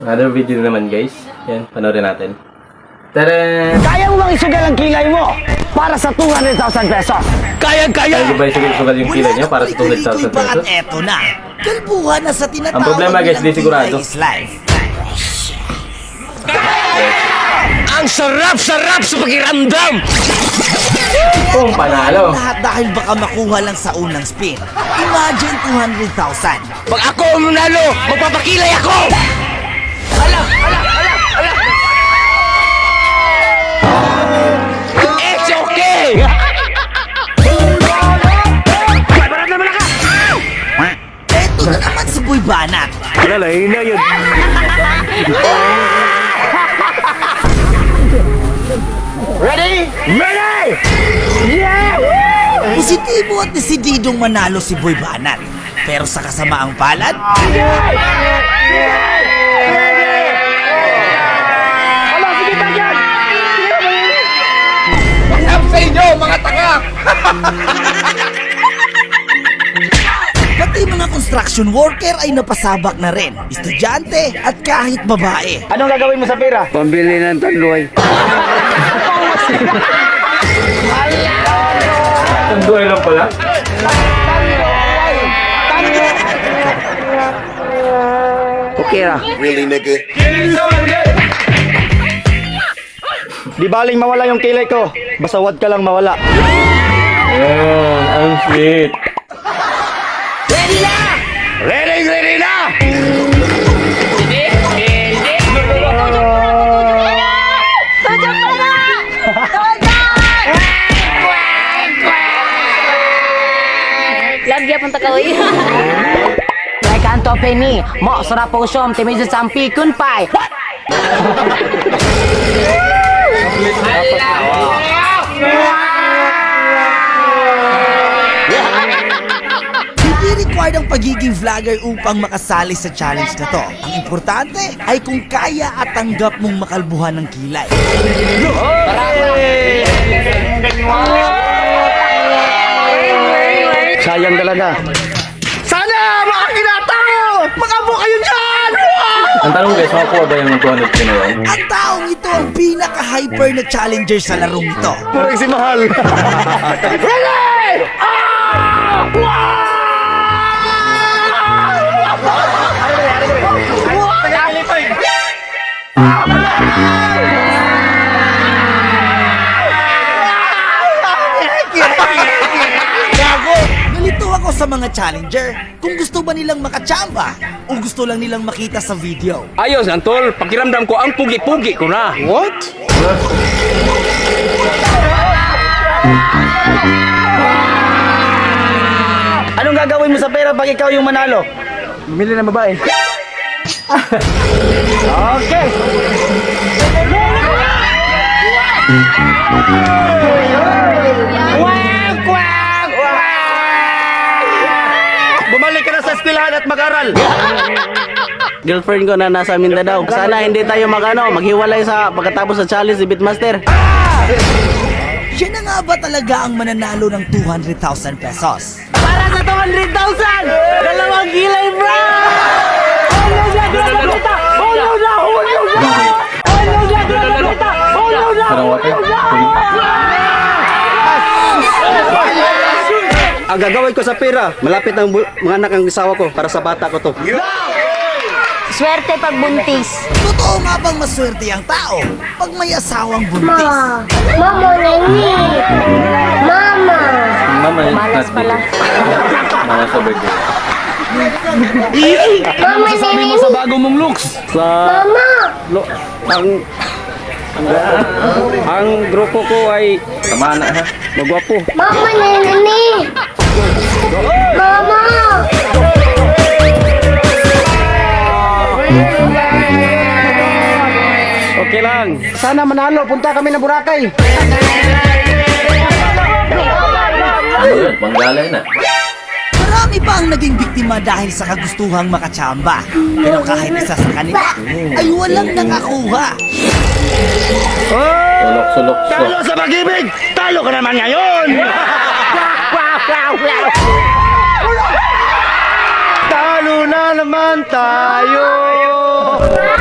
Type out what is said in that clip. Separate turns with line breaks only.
Another video na naman guys. Yan, panoorin natin. Tara!
Kaya mo bang isugal ang kilay mo para sa 200,000 pesos?
Kaya ba isugal yung kilay niyo para sa 200,000 pesos?
At eto na, kalbuhan na sa tinatawag
Ang problema, guys,
nilang
di sigurado.
kilay is life.
Ang sarap-sarap sa pakiramdam!
Kung panalo!
Lahat dahil baka makuha lang sa unang spin. Imagine 200,000.
Pag ako ang manalo, magpapakilay ako! It's okay!
Eto na naman si Boy Banat.
Lalay na yun. Ready? Ready! Yeah!
Positibo at desididong manalo si Boy Banat. Pero sa kasamaang palad,
Sa inyo, mga tanga!
pati mga construction worker ay napasabak na rin. Estudyante at kahit babae.
Anong gagawin mo sa pera? Pambili ng tanduay.
Tanduay lang pala.
Okay ra.
Really, nigga?
Di baling mawala yung kilay ko. Basta wag ka lang mawala.
Ayan, ang sweet.
Ready na! Ready na!
Lagi pun tak kawin.
Like Anto Penny, mo sarap po siyom, timizo sa pikun pai.
Hindi required ang pagiging vlogger upang makasali sa challenge na to. Ang importante ay kung kaya at tanggap mong makalbuhan ng kilay.
Sayang talaga. Sana makakinata mo! Makabo kayo dyan!
Ang tanong guys, makakuha ba yung 200 kinawa?
Ang taong ito ang pinaka-hyper na challenger sa larong ito.
Parang si Mahal. Ready!
Nalito ako sa mga challenger kung gusto ba nilang makachamba o gusto lang nilang makita sa video.
Ayos, Antol. Pakiramdam ko ang pugi-pugi ko na.
What? Anong gagawin mo sa pera pag ikaw yung manalo? Bumili ng babae. Okay. Bumalik ka na sa eskwelahan at mag-aral.
Girlfriend ko na nasa Mindanao. Sana hindi tayo maghiwalay sa pagkatapos sa challenge ni Beatmaster.
Siya na nga ba talaga ang mananalo ng 200,000 pesos?
Para sa 200,000! Dalawang kilay, bro!
Parang water?
Ang gagawin ko sa pera, malapit ang mga anak ang isawa ko para sa bata ko to.
Swerte pag buntis.
Totoo nga bang maswerte ang tao pag may asawang buntis?
Mama, nani. Mama.
Mama,
Malas pala.
Mama sa birthday.
Mama, nani.
Sa bago mong looks. Sa
Mama.
ang grupo ko ay
Tama na ha.
magwapo.
Mama, nani. Mama.
Okay lang. Sana manalo, punta kami ng Boracay.
Ano yun? Panggalay na.
Marami pa ang naging biktima dahil sa kagustuhang makachamba. Pero kahit isa sa kanila ay walang nakakuha.
Sulok-sulok.
Talo sa pag-ibig! Talo ka naman ngayon! Talo na naman tayo!